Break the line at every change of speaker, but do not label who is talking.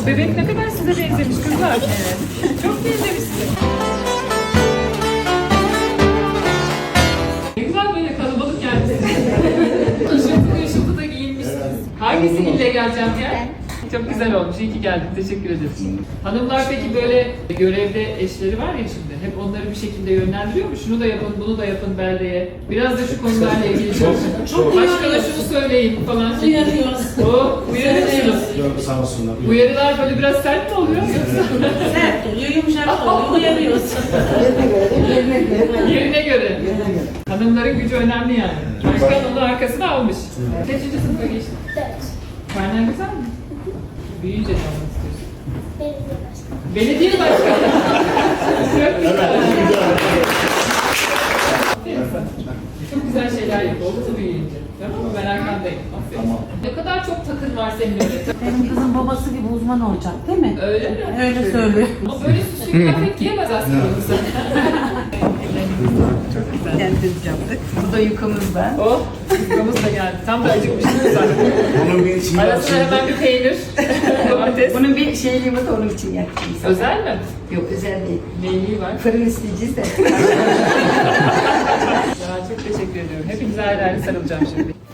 Bebek ne kadar size benzemiş kızlar. Evet. Çok benzemişsiniz. Ne güzel böyle kalabalık geldiniz. Işıltılı ışıltılı giyinmişsiniz. Hangisi ille geleceğim ya? Çok güzel olmuş. İyi ki geldin. Teşekkür ederim. Hanımlar peki böyle görevde eşleri var ya şimdi. Hep onları bir şekilde yönlendiriyor mu? Şunu da yapın, bunu da yapın beldeye. Biraz da şu konularla ilgili çok başkana şunu söyleyin falan.
Uyarıyoruz.
Uyarıyorsunuz.
Yok sağ olsunlar.
Uyarılar böyle biraz sert mi oluyor?
Sert oluyor, yumuşak oluyor, uyarıyoruz.
Yerine göre. Hanımların gücü önemli yani. Başkan onun arkasını almış. Kaçıncı sınıfa geçtin?
4.
Karnen güzel mi? Büyüyünce ne olmak istiyorsun?
Belediye başkanı.
Belediye başkanı. Çok güzel. Çok güzel şeyler yap. Oldu büyüyünce. Tamam mı? Ben arkandayım. Aferin.
Tamam.
Ne kadar çok takın var senin öyle.
Benim kızım babası gibi uzman olacak değil mi?
Öyle mi?
Öyle söylüyor.
Ama böyle süslü kıyafet giyemez aslında kızı. Çok güzel.
Kendimiz yaptık. Bu da yukamızdan.
Oh, yufkamız da geldi. Tam da acıkmıştım zaten.
Onun bir içinde
Arasına hemen bir peynir, domates.
Bunun bir şeyliği var da onun için yaptım.
Özel mi?
Yok özel değil.
Neyliği var?
Fırın isteyeceğiz de.
Ya çok teşekkür ediyorum. Hepinize ayrı ayrı sarılacağım şimdi.